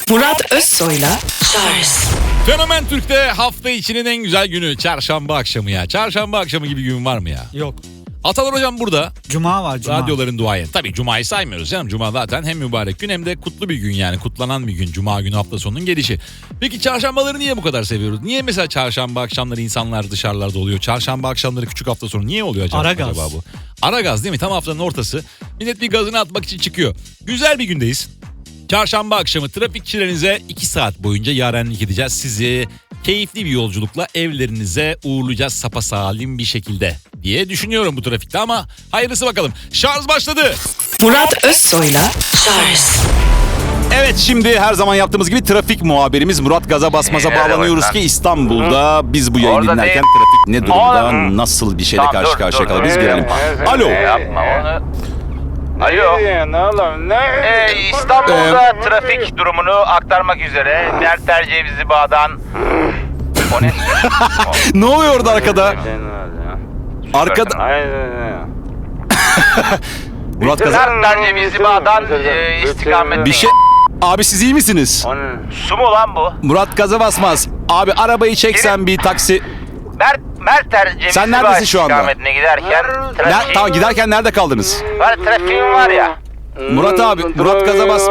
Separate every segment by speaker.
Speaker 1: Murat Özsoy'la Charles.
Speaker 2: Fenomen Türk'te hafta içinin en güzel günü çarşamba akşamı ya. Çarşamba akşamı gibi gün var mı ya?
Speaker 3: Yok.
Speaker 2: Atalar hocam burada.
Speaker 3: Cuma var, cuma.
Speaker 2: Radyoların duayen. Tabii cumayı saymıyoruz canım. Cuma zaten hem mübarek gün hem de kutlu bir gün yani. Kutlanan bir gün. Cuma günü hafta sonunun gelişi. Peki çarşambaları niye bu kadar seviyoruz? Niye mesela çarşamba akşamları insanlar dışarılarda oluyor? Çarşamba akşamları küçük hafta sonu niye oluyor acaba?
Speaker 3: Aragaz.
Speaker 2: Bu? Aragaz değil mi? Tam haftanın ortası. Millet bir gazını atmak için çıkıyor. Güzel bir gündeyiz. Çarşamba akşamı trafikçilerinize 2 saat boyunca yarenlik edeceğiz. Sizi keyifli bir yolculukla evlerinize uğurlayacağız sapasalim bir şekilde diye düşünüyorum bu trafikte ama hayırlısı bakalım. Şarj başladı.
Speaker 1: Murat Özsoy'la Charles.
Speaker 4: Evet, şimdi her zaman yaptığımız gibi trafik muhabirimiz Murat Gaza Basmaz'a bağlanıyoruz ki İstanbul'da biz bu yayını
Speaker 5: Orada
Speaker 4: dinlerken
Speaker 5: değil.
Speaker 4: trafik ne durumda,
Speaker 5: Oğlum.
Speaker 4: nasıl bir şeyle
Speaker 5: Tamam,
Speaker 4: karşı
Speaker 5: dur,
Speaker 4: karşıya
Speaker 5: dur,
Speaker 4: kalır biz
Speaker 5: dur.
Speaker 4: görelim. Alo.
Speaker 5: Yapma onu. Alo. İstanbul'da trafik durumunu aktarmak üzere Merter Cevizli Bağ'dan... O ne?
Speaker 4: Ne oluyor orada arkada? Arkada Murat Gaza
Speaker 5: Merter Cevizli Bağ'dan istikamet...
Speaker 4: bir şey. Abi siz iyi misiniz?
Speaker 5: Su mu lan bu?
Speaker 4: Murat Gaza Basmaz. Abi arabayı çeksen bir taksi.
Speaker 5: Merter Cevizli
Speaker 4: Sen
Speaker 5: Bağ
Speaker 4: neredesin şu anda?
Speaker 5: istikametine giderken...
Speaker 4: Tamam, giderken nerede kaldınız?
Speaker 5: Var, trafiğim var ya.
Speaker 4: Murat abi, Murat Gaza Bas.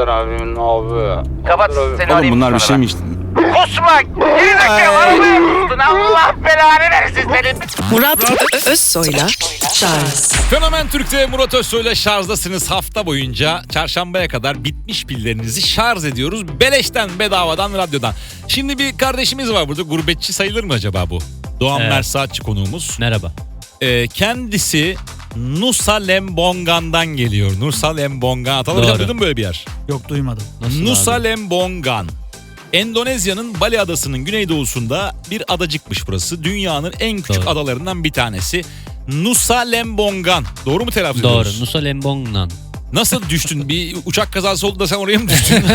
Speaker 5: Kapat seni
Speaker 4: Oğlum
Speaker 5: arayayım
Speaker 4: bunlar bir
Speaker 5: sonra.
Speaker 4: şeymiş.
Speaker 5: Kusma! Gerizekalı arabaya kustun! Allah belanı versin senin!
Speaker 1: Murat Özsoy'la Charles.
Speaker 2: Fenomen Türk'te Murat Özsoy'la şarjdasınız hafta boyunca. Çarşambaya kadar bitmiş pillerinizi şarj ediyoruz. Beleşten, bedavadan, radyodan. Şimdi bir kardeşimiz var burada. Gurbetçi sayılır mı acaba bu? Doğan
Speaker 6: Evet.
Speaker 2: Mersaatçı konuğumuz.
Speaker 6: Merhaba.
Speaker 2: Kendisi Nusa Lembongan'dan geliyor. Nusa Lembongan. Atalar hocam,
Speaker 6: Doğru.
Speaker 2: duydun mu böyle bir yer?
Speaker 3: Yok, duymadım.
Speaker 6: Nasıl
Speaker 2: Nusa
Speaker 6: abi?
Speaker 2: Lembongan. Endonezya'nın Bali Adası'nın güneydoğusunda bir adacıkmış burası. Dünyanın en küçük
Speaker 6: Doğru.
Speaker 2: adalarından bir tanesi. Nusa Lembongan. Doğru mu telaffuz
Speaker 6: Doğru.
Speaker 2: ediyoruz?
Speaker 6: Nusa Lembongan.
Speaker 2: Nasıl düştün? Bir uçak kazası oldu da sen oraya mı düştün?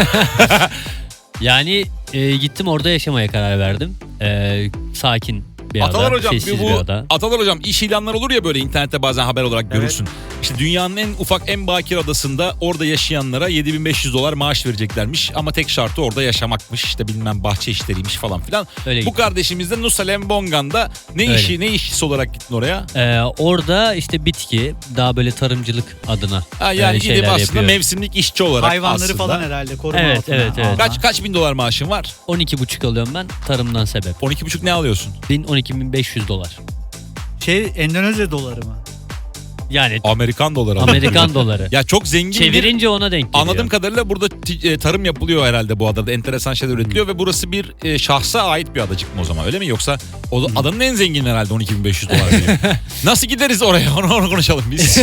Speaker 6: Yani gittim orada yaşamaya karar verdim. Sakin bir ada,
Speaker 2: Atalar hocam,
Speaker 6: sessiz bir
Speaker 2: bu
Speaker 6: ada.
Speaker 2: Atalar hocam iş ilanları olur ya böyle internette bazen haber olarak görürsün. İşte dünyanın en ufak en bakir adasında orada yaşayanlara $7.500 maaş vereceklermiş ama tek şartı orada yaşamakmış. İşte bilmem bahçe işleriymiş falan filan.
Speaker 6: Öyle
Speaker 2: Bu
Speaker 6: gittim.
Speaker 2: kardeşimiz de Nusa Lembongan'da ne işçisi olarak gittin oraya?
Speaker 6: Orada işte bitki, daha böyle tarımcılık adına
Speaker 2: Yani gidip
Speaker 6: şeyler
Speaker 2: aslında
Speaker 6: yapıyorum.
Speaker 2: mevsimlik işçi olarak
Speaker 3: Hayvanları
Speaker 2: aslında.
Speaker 3: falan herhalde koruma
Speaker 6: Evet,
Speaker 3: altına
Speaker 6: evet, evet.
Speaker 3: alma.
Speaker 2: Kaç bin dolar maaşın var?
Speaker 6: 12,5 alıyorum ben tarımdan sebep.
Speaker 2: 12,5 ne alıyorsun?
Speaker 6: 12.500 dolar.
Speaker 3: Endonezya doları mı?
Speaker 6: Yani
Speaker 2: Amerikan doları.
Speaker 6: Amerikan doları.
Speaker 2: Ya çok zengin bir...
Speaker 6: Çevirince ona denk geliyor.
Speaker 2: Anladığım kadarıyla burada tarım yapılıyor herhalde bu adada. Enteresan şeyler üretiliyor ve burası bir şahsa ait bir adacık mı o zaman, öyle mi? Yoksa adanın en zengin herhalde $12.500 diyor. Nasıl gideriz oraya? Onu konuşalım biz.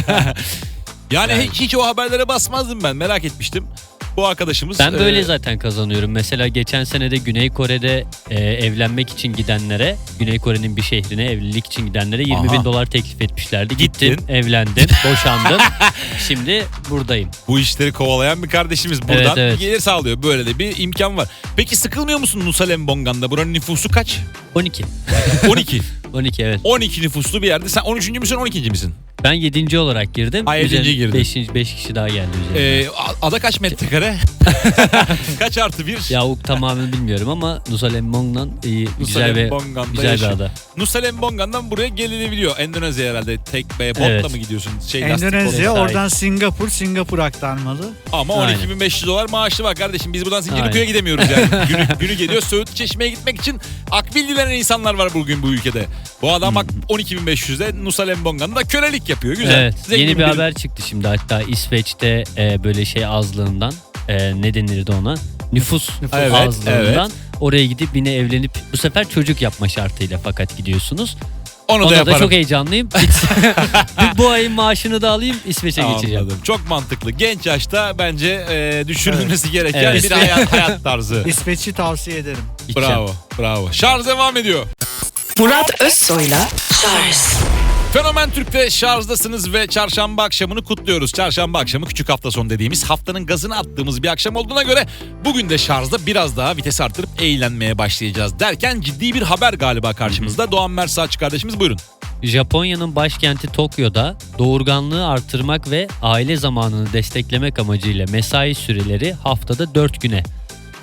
Speaker 2: Yani hiç o haberlere basmazdım ben. Merak etmiştim. Bu arkadaşımız...
Speaker 6: Ben böyle zaten kazanıyorum. Mesela geçen sene de Güney Kore'de evlenmek için gidenlere, Güney Kore'nin bir şehrine evlilik için gidenlere $20.000 teklif etmişlerdi.
Speaker 2: Gittin.
Speaker 6: Gittim, evlendim, boşandım. Şimdi buradayım.
Speaker 2: Bu işleri kovalayan bir kardeşimiz buradan
Speaker 6: Evet.
Speaker 2: gelir sağlıyor. Böyle de bir imkan var. Peki sıkılmıyor musun Nusa Lembongan'da? Buranın nüfusu kaç?
Speaker 6: 12.
Speaker 2: 12.
Speaker 6: 12 evet.
Speaker 2: 12 nüfuslu bir yerde. Sen 13. müsün 12. misin?
Speaker 6: Ben 7. olarak girdim.
Speaker 2: Ha, 7. girdin.
Speaker 6: 5 kişi daha geldi üzerine.
Speaker 2: Ada kaç metrekare? Kaç artı bir?
Speaker 6: Ya o tamamını bilmiyorum ama Nusa Lembongan güzel
Speaker 2: Lembongan'da
Speaker 6: bir ada.
Speaker 2: Nusa Lembongan'dan buraya gelinebiliyor. Endonezya herhalde tek botla
Speaker 6: Evet.
Speaker 2: mı gidiyorsun?
Speaker 3: Endonezya,
Speaker 6: sahip.
Speaker 3: oradan Singapur aktarmalı.
Speaker 2: Ama
Speaker 6: Aynen.
Speaker 2: $12.500 maaşı var kardeşim. Biz buradan Zincirlikuyu'ya
Speaker 6: Aynen.
Speaker 2: gidemiyoruz yani. günü geliyor. Söğütlü Çeşme'ye gitmek için akbil dilenen insanlar var bugün bu ülkede. Bu adam bak 12.500'de Nusa Lembongan'da kölelik yapıyor. Güzel.
Speaker 6: Evet.
Speaker 2: Zengin
Speaker 6: Yeni bir haber çıktı şimdi hatta İsveç'te böyle azlığından ne denirdi ona? Nüfus
Speaker 2: Evet,
Speaker 6: azlığından oraya gidip yine evlenip bu sefer çocuk yapma şartıyla fakat gidiyorsunuz.
Speaker 2: Onu da
Speaker 6: Ona
Speaker 2: yaparım.
Speaker 6: da çok heyecanlıyım. Bu ayın maaşını da alayım İsveç'e geçeceğim.
Speaker 2: Anladım. Çok mantıklı. Genç yaşta bence düşünülmesi gereken
Speaker 6: Evet.
Speaker 2: bir hayat tarzı.
Speaker 3: İsveç'i tavsiye ederim.
Speaker 2: Bravo. Bravo. Şarj devam ediyor.
Speaker 1: Murat Özsoy'la Charles.
Speaker 2: Fenomen Türk'te şarjdasınız ve çarşamba akşamını kutluyoruz. Çarşamba akşamı küçük hafta sonu dediğimiz haftanın gazını attığımız bir akşam olduğuna göre bugün de şarjda biraz daha vites arttırıp eğlenmeye başlayacağız derken ciddi bir haber galiba karşımızda. Doğan Mersaatçı kardeşimiz buyurun.
Speaker 6: Japonya'nın başkenti Tokyo'da doğurganlığı artırmak ve aile zamanını desteklemek amacıyla mesai süreleri haftada 4 güne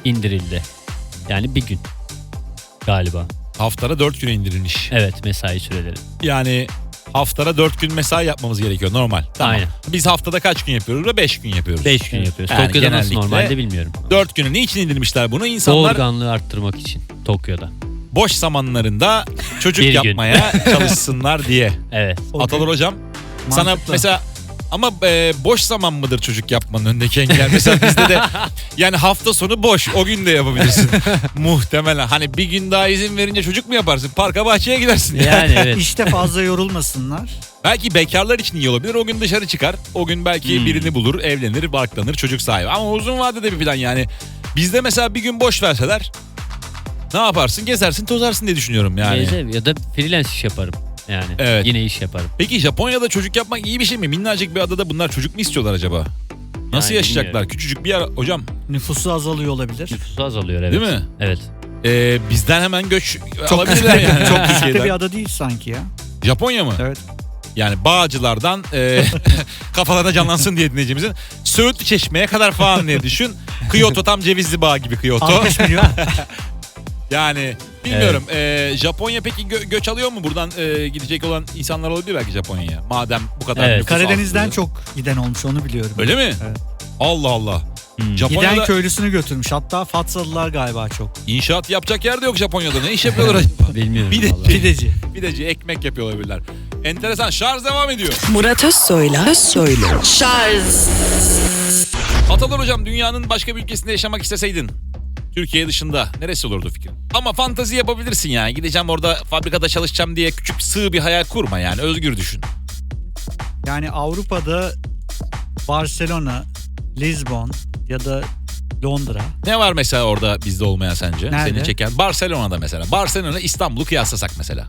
Speaker 6: indirildi. Yani bir gün galiba.
Speaker 2: Haftada 4 güne indirilmiş.
Speaker 6: Evet, mesai süreleri.
Speaker 2: Yani haftada 4 gün mesai yapmamız gerekiyor normal. Tamam.
Speaker 6: Aynen.
Speaker 2: Biz haftada kaç gün yapıyoruz? Ve 5 gün yapıyoruz.
Speaker 6: 5 gün yapıyoruz.
Speaker 2: Yani
Speaker 6: Tokyo'da nasıl
Speaker 2: genellikle
Speaker 6: normalde bilmiyorum.
Speaker 2: 4 güne niçin indirmişler bunu? İnsanlar
Speaker 6: Doğurganlığı arttırmak için Tokyo'da.
Speaker 2: boş zamanlarında çocuk
Speaker 6: Bir gün.
Speaker 2: yapmaya çalışsınlar diye.
Speaker 6: Evet.
Speaker 2: Atalar hocam sana
Speaker 3: Mantıklı.
Speaker 2: mesela ama boş zaman mıdır çocuk yapmanın önündeki engel? Mesela bizde de yani hafta sonu boş. O gün de yapabilirsin. Muhtemelen. Hani bir gün daha izin verince çocuk mu yaparsın? Parka bahçeye gidersin.
Speaker 6: Yani evet.
Speaker 3: İşte fazla yorulmasınlar.
Speaker 2: Belki bekarlar için iyi olabilir. O gün dışarı çıkar. O gün belki birini bulur, evlenir, barklanır, çocuk sahibi. Ama uzun vadede bir plan yani. Bizde mesela bir gün boş verseler ne yaparsın? Gezersin, tozarsın diye düşünüyorum yani.
Speaker 6: Ya da freelance iş yaparım. Yani
Speaker 2: Evet.
Speaker 6: yine iş yaparım.
Speaker 2: Peki Japonya'da çocuk yapmak iyi bir şey mi? Minnacık bir adada bunlar çocuk mu istiyorlar acaba? Nasıl
Speaker 6: Yani
Speaker 2: yaşayacaklar?
Speaker 6: bilmiyorum.
Speaker 2: Küçücük bir yer hocam.
Speaker 3: Nüfusu azalıyor olabilir.
Speaker 6: Nüfusu azalıyor, evet.
Speaker 2: Değil mi?
Speaker 6: Evet.
Speaker 2: Bizden hemen göç
Speaker 3: Çok
Speaker 2: alabilirler yani.
Speaker 3: Çok küçük de
Speaker 2: Türkiye'den.
Speaker 3: bir ada değil sanki ya.
Speaker 2: Japonya mı?
Speaker 3: Evet.
Speaker 2: Yani Bağcılar'dan kafalarına canlansın diye dinleyicimizin Söğütlü Çeşme'ye kadar falan diye düşün. Kyoto tam Cevizli Bağ gibi Kyoto.
Speaker 3: 60 milyon.
Speaker 2: Yani bilmiyorum. Japonya peki göç alıyor mu? Buradan gidecek olan insanlar olabilir belki Japonya'ya. Madem bu kadar
Speaker 6: Evet.
Speaker 2: nüfus
Speaker 3: Karadeniz'den
Speaker 2: azlığı.
Speaker 3: çok giden olmuş, onu biliyorum.
Speaker 2: Öyle mi?
Speaker 3: Evet.
Speaker 2: Allah Allah.
Speaker 6: Hmm.
Speaker 2: Japonya'da
Speaker 3: Giden köylüsünü götürmüş. Hatta Fatsalılar galiba çok.
Speaker 2: inşaat yapacak yer de yok Japonya'da. Ne iş yapıyorlar acaba?
Speaker 6: Bilmiyorum
Speaker 2: Bir de-
Speaker 6: vallahi.
Speaker 3: Pideci.
Speaker 2: Pideci ekmek yapıyor olabilirler. Enteresan. Şarj devam ediyor.
Speaker 1: Murat Özsoy'la Şarj.
Speaker 2: Atalar hocam dünyanın başka bir ülkesinde yaşamak isteseydin Türkiye dışında neresi olurdu fikrin? Ama fantazi yapabilirsin yani. Gideceğim orada fabrikada çalışacağım diye küçük sığ bir hayal kurma yani. Özgür düşün.
Speaker 3: Yani Avrupa'da Barcelona, Lisbon ya da Londra.
Speaker 2: Ne var mesela orada bizde olmayan sence?
Speaker 3: Nerede?
Speaker 2: Seni çeken Barcelona'da mesela. Barcelona İstanbul'u kıyaslasak mesela.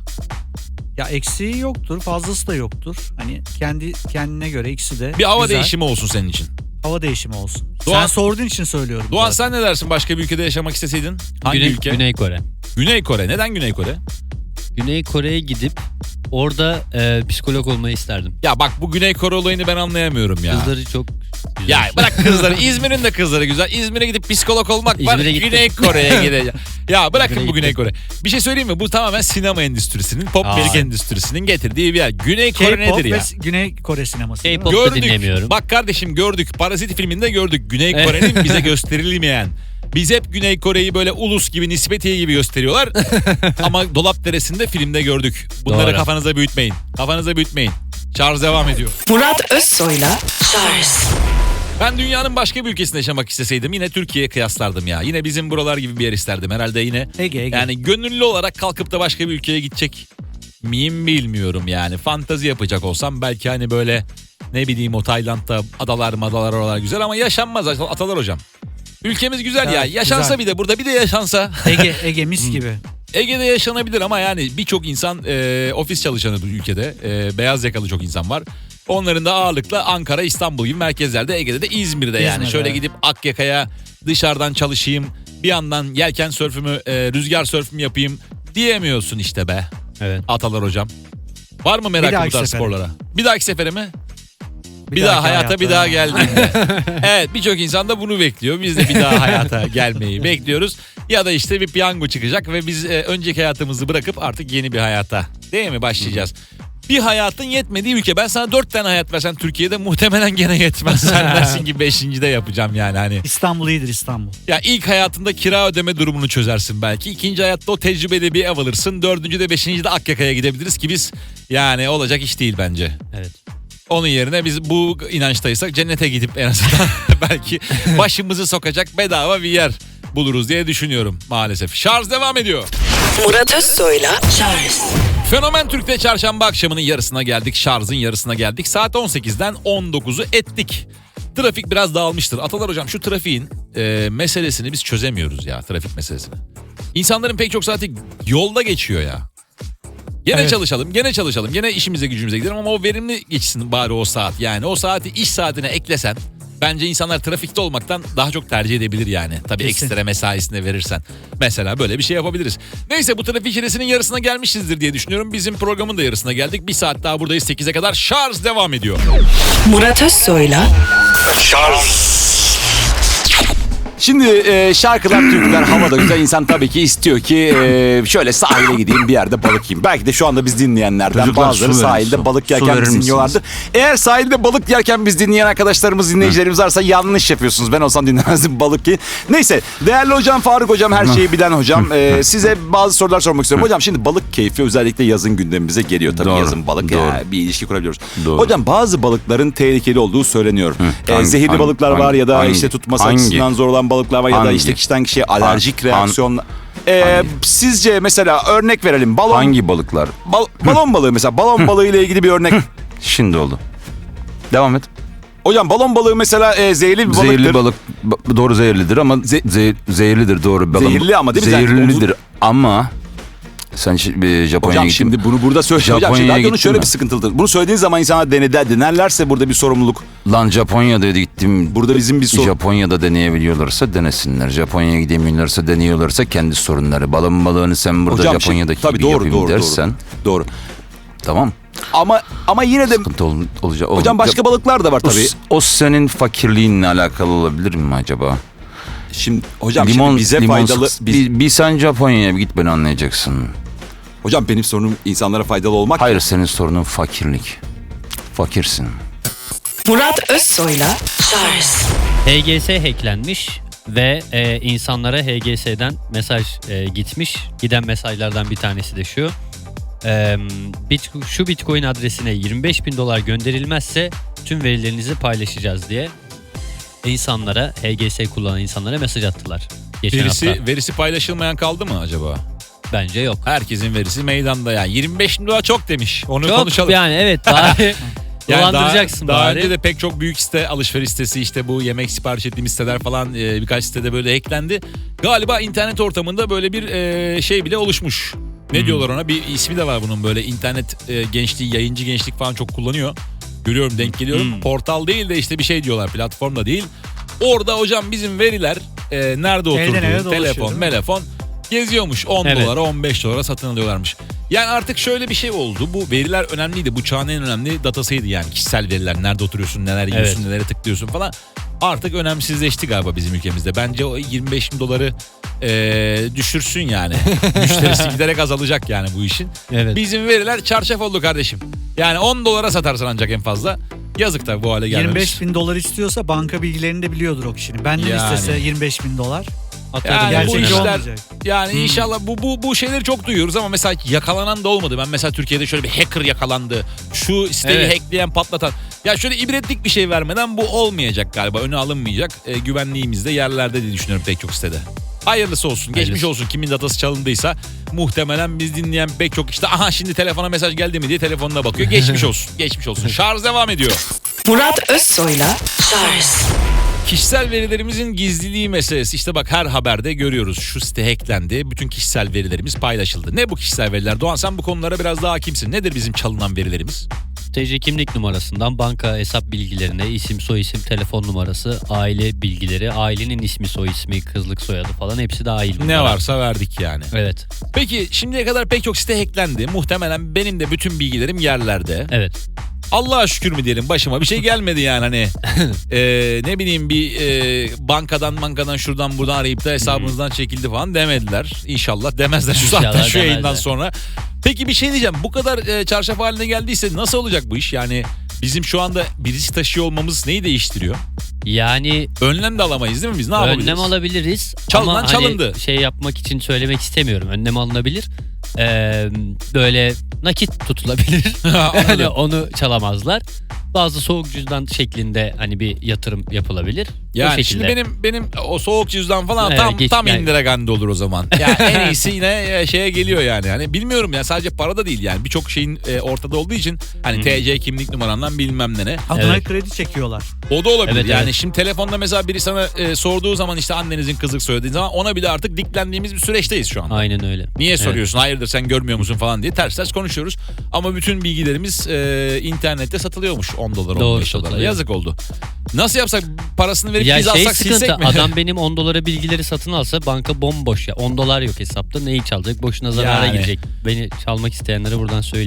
Speaker 3: Ya eksiği yoktur, fazlası da yoktur. Hani kendine göre ikisi de
Speaker 2: Bir hava
Speaker 3: güzel.
Speaker 2: değişimi olsun senin için.
Speaker 3: Hava değişimi olsun.
Speaker 2: Doğan-
Speaker 3: Sen sorduğun için söylüyorum.
Speaker 2: Doğan
Speaker 3: zaten.
Speaker 2: sen ne dersin başka bir ülkede yaşamak isteseydin? Hangi ülke?
Speaker 6: Güney Kore.
Speaker 2: Güney Kore. Neden Güney Kore?
Speaker 6: Güney Kore'ye gidip orada psikolog olmayı isterdim.
Speaker 2: Ya bak bu Güney Kore olayını ben anlayamıyorum ya.
Speaker 6: Kızları çok güzel.
Speaker 2: Ya bırak kızları. İzmir'in de kızları güzel. İzmir'e gidip psikolog olmak var.
Speaker 6: İzmir'e gittim.
Speaker 2: Güney Kore'ye gideceğim. Ya bırakın
Speaker 6: İzmir'e
Speaker 2: bu Güney
Speaker 6: gittim.
Speaker 2: Kore. Bir şey söyleyeyim mi? Bu tamamen sinema endüstrisinin, pop
Speaker 6: Aa.
Speaker 2: müzik endüstrisinin getirdiği bir yer. Güney Kore
Speaker 3: K-pop
Speaker 2: nedir
Speaker 3: ve
Speaker 2: ya?
Speaker 3: Güney Kore sineması. değil mi?
Speaker 6: K-pop da
Speaker 2: Gördük.
Speaker 6: dinlemiyorum.
Speaker 2: Bak kardeşim gördük. Parazit filminde gördük. Güney
Speaker 6: Evet.
Speaker 2: Kore'nin bize gösterilmeyen. Biz hep Güney Kore'yi böyle ulus gibi, nispetiye gibi gösteriyorlar. Ama Dolap Deresi'nde filmde gördük. Bunları
Speaker 6: Doğru.
Speaker 2: kafanıza büyütmeyin. Kafanıza büyütmeyin. Şarj devam ediyor.
Speaker 1: Murat Özsoy'la Şarj.
Speaker 2: Ben dünyanın başka bir ülkesinde yaşamak isteseydim yine Türkiye'ye kıyaslardım ya. Yine bizim buralar gibi bir yer isterdim. Herhalde yine
Speaker 3: Ege.
Speaker 2: yani gönüllü olarak kalkıp da başka bir ülkeye gidecek miyim bilmiyorum yani. Fantazi yapacak olsam belki hani böyle ne bileyim o Tayland'da adalar oralar güzel ama yaşanmaz Atalar hocam. Ülkemiz güzel ya.
Speaker 3: Evet,
Speaker 2: Yaşansa
Speaker 3: güzel.
Speaker 2: bir de burada bir de yaşansa.
Speaker 3: Ege mis gibi.
Speaker 2: Ege'de yaşanabilir ama yani birçok insan ofis çalışanı bu ülkede. Beyaz yakalı çok insan var. Onların da ağırlıkla Ankara, İstanbul gibi merkezlerde, Ege'de de İzmir'de yani.
Speaker 3: İzmir'de,
Speaker 2: Şöyle
Speaker 3: evet.
Speaker 2: gidip Akyaka'ya dışarıdan çalışayım, bir yandan yelken sörfümü, rüzgar sörfümü yapayım diyemiyorsun işte be.
Speaker 6: Evet.
Speaker 2: Atalar hocam. Var mı merakı bu
Speaker 3: dahaki
Speaker 2: tarz
Speaker 3: sefere.
Speaker 2: sporlara? Bir dahaki sefere mi? Bir
Speaker 3: dahaki
Speaker 2: daha hayata bir daha geldiğinde. Evet birçok insan da bunu bekliyor. Biz de bir daha hayata gelmeyi bekliyoruz. Ya da işte bir piyango çıkacak ve biz önceki hayatımızı bırakıp artık yeni bir hayata değil mi başlayacağız. Bir hayatın yetmediği ülke. Ben sana 4 tane hayat versem Türkiye'de muhtemelen gene yetmez. Sen dersin ki 5. de yapacağım yani hani.
Speaker 3: İstanbul iyidir İstanbul.
Speaker 2: Ya ilk hayatında kira ödeme durumunu çözersin belki. İkinci hayatta o tecrübeli bir ev alırsın. 4. de 5. de Akyaka'ya gidebiliriz ki biz yani olacak iş değil bence.
Speaker 6: Evet.
Speaker 2: Onun yerine biz bu inançtaysak cennete gidip en azından belki başımızı sokacak bedava bir yer buluruz diye düşünüyorum maalesef. Şarj devam ediyor.
Speaker 1: Murat Özsoy'la Şarj.
Speaker 2: Fenomen Türk'te çarşamba akşamının yarısına geldik. Şarjın yarısına geldik. Saat 18'den 19'u ettik. Trafik biraz dağılmıştır. Atalar hocam şu trafiğin meselesini biz çözemiyoruz ya, trafik meselesini. İnsanların pek çok saati yolda geçiyor ya. Gene
Speaker 3: Evet.
Speaker 2: çalışalım, gene çalışalım, gene işimize gücümüze gidelim ama o verimli geçsin bari o saat. Yani o saati iş saatine eklesen bence insanlar trafikte olmaktan daha çok tercih edebilir yani. Tabii
Speaker 3: Kesin.
Speaker 2: ekstra mesaisine verirsen. Mesela böyle bir şey yapabiliriz. Neyse bu trafik çilesinin yarısına gelmişizdir diye düşünüyorum. Bizim programın da yarısına geldik. Bir saat daha buradayız 8'e kadar. Şarj devam ediyor.
Speaker 1: Murat Özsoy'la
Speaker 4: Şimdi şarkılar, türküler havada güzel. İnsan tabii ki istiyor ki şöyle sahile gideyim, bir yerde balık yiyeyim. Belki de şu anda biz dinleyenlerden
Speaker 7: Çocuklar,
Speaker 4: bazıları
Speaker 7: su verin,
Speaker 4: sahilde
Speaker 7: su.
Speaker 4: balık
Speaker 7: Su
Speaker 4: yerken
Speaker 7: verir
Speaker 4: bizi
Speaker 7: misiniz?
Speaker 4: dinliyorlardır. Eğer sahilde balık yerken biz dinleyen arkadaşlarımız, dinleyicilerimiz varsa yanlış yapıyorsunuz. Ben olsam dinlemezdim balık yiyin. Neyse, değerli hocam Faruk hocam, her şeyi bilen hocam. Size bazı sorular sormak istiyorum. Hocam şimdi balık keyfi özellikle yazın gündemimize geliyor. Tabii
Speaker 7: Doğru,
Speaker 4: yazın balık
Speaker 7: doğru.
Speaker 4: bir ilişki kurabiliyoruz.
Speaker 7: Doğru.
Speaker 4: Hocam bazı balıkların tehlikeli olduğu söyleniyor. Zehirli balıklar var ya da işte tutması açısından zor olan balıklar var ya da işte kişiden kişiye alerjik reaksiyonlar. Sizce mesela örnek verelim.
Speaker 7: Hangi balıklar?
Speaker 4: Balon balığı mesela. Balon balığı ile ilgili bir örnek.
Speaker 7: Şimdi oldu. Devam et.
Speaker 4: Hocam balon balığı mesela zehirli bir balıktır.
Speaker 7: Zehirli balık doğru zehirlidir ama zehirlidir doğru.
Speaker 4: Zehirli ama değil mi?
Speaker 7: Zehirlidir ama sen Japonya'ya
Speaker 4: Hocam
Speaker 7: gittin.
Speaker 4: şimdi bunu burada söyle. Hocam şimdi
Speaker 7: Japonya'ya
Speaker 4: radyonun
Speaker 7: gittin
Speaker 4: şöyle
Speaker 7: mi?
Speaker 4: bir sıkıntılıdır. Bunu söylediğin zaman insanlar denerlerse burada bir sorumluluk.
Speaker 7: Lan Japonya'da gittim.
Speaker 4: Burada bizim bir sorun.
Speaker 7: Japonya'da deneyebiliyorlarsa denesinler. Japonya'ya gidemiyorlarsa deniyorlarsa kendi sorunları. Balon balığını sen burada
Speaker 4: Hocam
Speaker 7: Japonya'daki
Speaker 4: tabii
Speaker 7: gibi yapayım dersen.
Speaker 4: Doğru.
Speaker 7: Tamam.
Speaker 4: Ama yine de
Speaker 7: Sıkıntı olacak.
Speaker 4: hocam başka balıklar da var tabii.
Speaker 7: O senin fakirliğinle alakalı olabilir mi acaba?
Speaker 4: Şimdi hocam şimdi bize faydalı.
Speaker 7: Bir sen Japonya'ya git beni anlayacaksın.
Speaker 4: Hocam benim sorunum insanlara faydalı olmak.
Speaker 7: Hayır senin sorunun fakirlik. Fakirsin.
Speaker 1: Murat Özsoy'la Charles
Speaker 6: HGS hacklenmiş ve insanlara HGS'den mesaj gitmiş. Giden mesajlardan bir tanesi de şu. Şu Bitcoin adresine $25.000 gönderilmezse tüm verilerinizi paylaşacağız diye insanlara, HGS kullanan insanlara mesaj attılar. Geçen hafta.
Speaker 2: Verisi paylaşılmayan kaldı mı acaba?
Speaker 6: Bence yok.
Speaker 2: Herkesin verisi meydanda yani. $25.000 çok demiş. Onu
Speaker 6: Çok
Speaker 2: konuşalım.
Speaker 6: yani evet bari dolandıracaksın
Speaker 2: daha
Speaker 6: bari.
Speaker 2: önce de pek çok büyük site, alışveriş sitesi, işte bu yemek sipariş ettiğimiz siteler falan birkaç sitede böyle hacklendi. Galiba internet ortamında böyle bir şey bile oluşmuş. Ne diyorlar ona? Bir ismi de var bunun, böyle internet gençliği, yayıncı gençlik falan çok kullanıyor. Görüyorum, denk geliyorum. Portal değil de işte bir şey diyorlar, platform da değil. Orada hocam bizim veriler nerede oturduğu, telefon, geziyormuş. $10, $15 satın alıyorlarmış. Yani artık şöyle bir şey oldu. Bu veriler önemliydi. Bu çağın en önemli datasıydı yani. Kişisel veriler. Nerede oturuyorsun, neler yiyorsun, nelere tıklıyorsun falan. Artık önemsizleşti galiba bizim ülkemizde. Bence o $25.000 düşürsün yani. Müşterisi giderek azalacak yani bu işin.
Speaker 6: Evet.
Speaker 2: Bizim veriler çarşaf oldu kardeşim. Yani $10 satarsın ancak en fazla. Yazık tabii bu hale gelmemiz.
Speaker 3: $25.000 istiyorsa banka bilgilerini de biliyordur o kişinin. Benden
Speaker 2: Yani.
Speaker 3: istese $25.000.
Speaker 2: Yani bu
Speaker 3: Gerçekçi
Speaker 2: işler,
Speaker 3: olmayacak.
Speaker 2: yani inşallah bu şeyleri çok duyuyoruz ama mesela yakalanan da olmadı. Ben mesela Türkiye'de şöyle bir hacker yakalandı. Şu siteyi hackleyen, patlatan. Ya şöyle ibretlik bir şey vermeden bu olmayacak galiba. Öne alınmayacak. Güvenliğimiz de yerlerde diye düşünüyorum pek çok sitede. Hayırlısı olsun. Geçmiş olsun. Kimin datası çalındıysa muhtemelen biz dinleyen pek çok işte aha şimdi telefona mesaj geldi mi diye telefonuna bakıyor. Geçmiş olsun. Geçmiş olsun. Şarj devam ediyor.
Speaker 1: Murat Özsoy'la Charles
Speaker 2: Kişisel verilerimizin gizliliği meselesi. İşte bak her haberde görüyoruz. Şu site hacklendi. Bütün kişisel verilerimiz paylaşıldı. Ne bu kişisel veriler? Doğan sen bu konulara biraz daha hakimsin. Nedir bizim çalınan verilerimiz?
Speaker 6: TC kimlik numarasından banka hesap bilgilerine, isim, soyisim, telefon numarası, aile bilgileri, ailenin ismi, soyismi, kızlık soyadı falan hepsi dahil.
Speaker 2: Ne varsa verdik yani.
Speaker 6: Evet.
Speaker 2: Peki şimdiye kadar pek çok site hacklendi. Muhtemelen benim de bütün bilgilerim yerlerde.
Speaker 6: Evet.
Speaker 2: Allah'a şükür mü diyelim, başıma bir şey gelmedi yani hani ne bileyim bir bankadan şuradan buradan arayıp da hesabınızdan çekildi falan demediler. İnşallah demezler şu saatten, şu yayından sonra. Peki bir şey diyeceğim, bu kadar çarşaf haline geldiyse nasıl olacak bu iş? Yani bizim şu anda bir risk taşıyor olmamız neyi değiştiriyor?
Speaker 6: Yani
Speaker 2: Önlem de alamayız değil mi biz? Ne yapabiliriz?
Speaker 6: önlem alabiliriz.
Speaker 2: Çalınan
Speaker 6: ama
Speaker 2: çalındı.
Speaker 6: Hani şey yapmak için söylemek istemiyorum. Önlem alınabilir. Böyle nakit tutulabilir. Hani onu çalamazlar. Bazı soğuk cüzdan şeklinde hani bir yatırım yapılabilir.
Speaker 2: Yani şimdi benim o soğuk cüzdan falan
Speaker 6: Evet,
Speaker 2: tam
Speaker 6: yani.
Speaker 2: Indira Gandhi olur o zaman. Yani en iyisi yine şeye geliyor yani. Hani bilmiyorum ya, sadece para da değil yani. Birçok şeyin ortada olduğu için hani TC kimlik numarandan bilmem ne.
Speaker 3: Adına kredi çekiyorlar.
Speaker 2: O da olabilir.
Speaker 6: Evet,
Speaker 2: yani
Speaker 6: evet.
Speaker 2: şimdi telefonda mesela biri sana sorduğu zaman işte annenizin kızlık söylediği zaman ona bile artık diklendiğimiz bir süreçteyiz şu anda.
Speaker 6: Aynen öyle.
Speaker 2: Niye soruyorsun? Hayırdır sen görmüyor musun falan diye ters konuşuyoruz. Ama bütün bilgilerimiz internette satılıyormuş $10,
Speaker 6: Doğru,
Speaker 2: $15.
Speaker 6: satılıyor.
Speaker 2: Yazık oldu. Nasıl yapsak, parasını verip
Speaker 6: Ya
Speaker 2: biz alsak
Speaker 6: sıkıntı,
Speaker 2: silsek mi?
Speaker 6: adam benim $10 bilgileri satın alsa banka bomboş ya. $10 yok hesapta, neyi çalacak? Boşuna zarara
Speaker 2: Yani.
Speaker 6: girecek. Beni çalmak isteyenlere buradan söyleyeyim.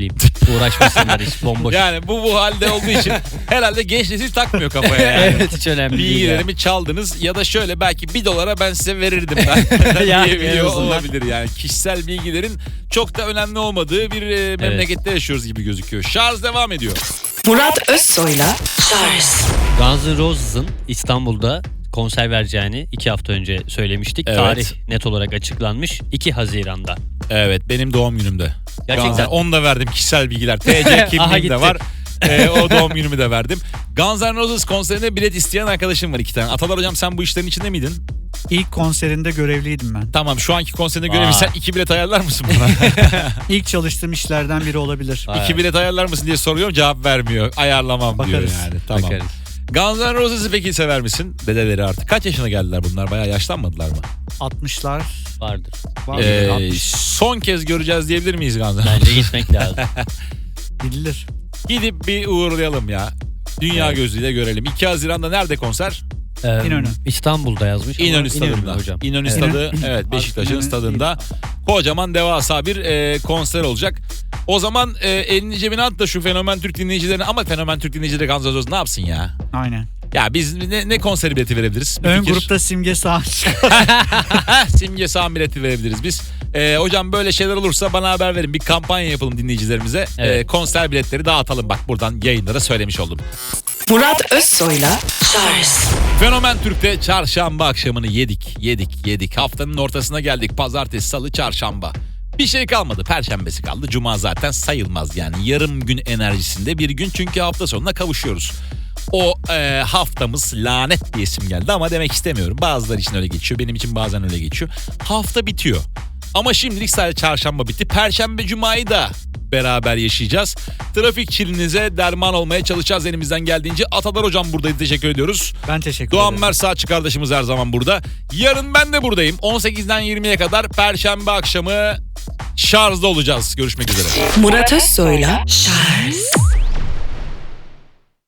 Speaker 6: Uğraşmasınlar hiç bomboş.
Speaker 2: Yani bu halde olduğu için herhalde genç nesil takmıyor kafaya yani.
Speaker 6: Evet, hiç önemli değil.
Speaker 2: Bilgilerimi çaldınız ya da şöyle belki $1 ben size verirdim ben.
Speaker 6: Yani en
Speaker 2: diyebiliyor
Speaker 6: azından.
Speaker 2: olabilir yani. Kişisel bilgilerin çok da önemli olmadığı bir memlekette yaşıyoruz gibi gözüküyor. Şarj devam ediyor.
Speaker 1: Murat Özsoy'la Charles
Speaker 6: Guns N' Roses'ın İstanbul'da konser vereceğini 2 hafta önce söylemiştik.
Speaker 2: Evet.
Speaker 6: Tarih net olarak açıklanmış 2 Haziran'da.
Speaker 2: Evet benim doğum günümde.
Speaker 6: Gerçekten.
Speaker 2: Onu da verdim kişisel bilgiler. TC
Speaker 6: Aha,
Speaker 2: kimliğim
Speaker 6: gitti.
Speaker 2: de var. O doğum günümü de verdim. Guns N' Roses konserine bilet isteyen arkadaşım var 2 tane. Atalar hocam sen bu işlerin içinde miydin?
Speaker 3: İlk konserinde görevliydim ben.
Speaker 2: Tamam şu anki konserine göre sen 2 bilet ayarlar mısın bana?
Speaker 3: İlk çalıştığım işlerden biri olabilir.
Speaker 2: 2 bilet ayarlar mısın diye soruyorum cevap vermiyor. Ayarlamam diyor
Speaker 3: Bakarız.
Speaker 2: yani. Tamam.
Speaker 6: Bakarız.
Speaker 2: Guns N' Roses'ı peki sever misin? Dedeleri artık. Kaç yaşına geldiler bunlar? Bayağı yaşlanmadılar mı?
Speaker 3: 60'lar
Speaker 6: Vardır.
Speaker 3: var. 60
Speaker 2: Son kez göreceğiz diyebilir miyiz Guns N' Roses?
Speaker 6: Bence gitmek lazım.
Speaker 3: gidilir.
Speaker 2: Gidip bir uğurlayalım ya. Dünya
Speaker 6: Evet.
Speaker 2: gözüyle görelim. 2 Haziran'da nerede konser?
Speaker 3: İnönü.
Speaker 6: İstanbul'da yazmış. ama
Speaker 2: İnönü Stadı'nda.
Speaker 6: hocam.
Speaker 2: İnönü
Speaker 6: Evet.
Speaker 2: Stadı, evet Beşiktaş'ın
Speaker 3: İnönü
Speaker 2: stadında. Kocaman devasa bir konser olacak. O zaman elini cebine at da şu Fenomen Türk dinleyicilerine, ama Fenomen Türk dinleyicileri Guns N' Roses ne yapsın ya?
Speaker 3: Aynen.
Speaker 2: Ya biz ne konseri bileti verebiliriz? Bir
Speaker 3: Ön
Speaker 2: fikir.
Speaker 3: grupta Simge Sağaç.
Speaker 2: Simge Sağ bileti verebiliriz biz. Hocam böyle şeyler olursa bana haber verin. Bir kampanya yapalım dinleyicilerimize.
Speaker 6: Evet.
Speaker 2: Konser biletleri dağıtalım. Bak buradan yayınlara söylemiş oldum.
Speaker 1: Murat Özsoy'la Charles
Speaker 2: Fenomen Türk'te çarşamba akşamını yedik. Haftanın ortasına geldik. Pazartesi, salı, çarşamba. Bir şey kalmadı. Perşembesi kaldı. Cuma zaten sayılmaz yani. Yarım gün enerjisinde bir gün, çünkü hafta sonuna kavuşuyoruz. O haftamız lanet diye isim geldi ama demek istemiyorum. Bazıları için öyle geçiyor. Benim için bazen öyle geçiyor. Hafta bitiyor. Ama şimdilik sadece çarşamba bitti. Perşembe, cumayı da beraber yaşayacağız. Trafik çilinize derman olmaya çalışacağız elimizden geldiğince. Atalar hocam buradaydı. Teşekkür ediyoruz.
Speaker 3: Ben teşekkür
Speaker 2: Doğan
Speaker 3: ederim.
Speaker 2: Mersaatçı kardeşimiz her zaman burada. Yarın ben de buradayım. 18'den 20'ye kadar Perşembe akşamı şarjda olacağız. Görüşmek üzere.
Speaker 1: Murat Özsoy'la Charles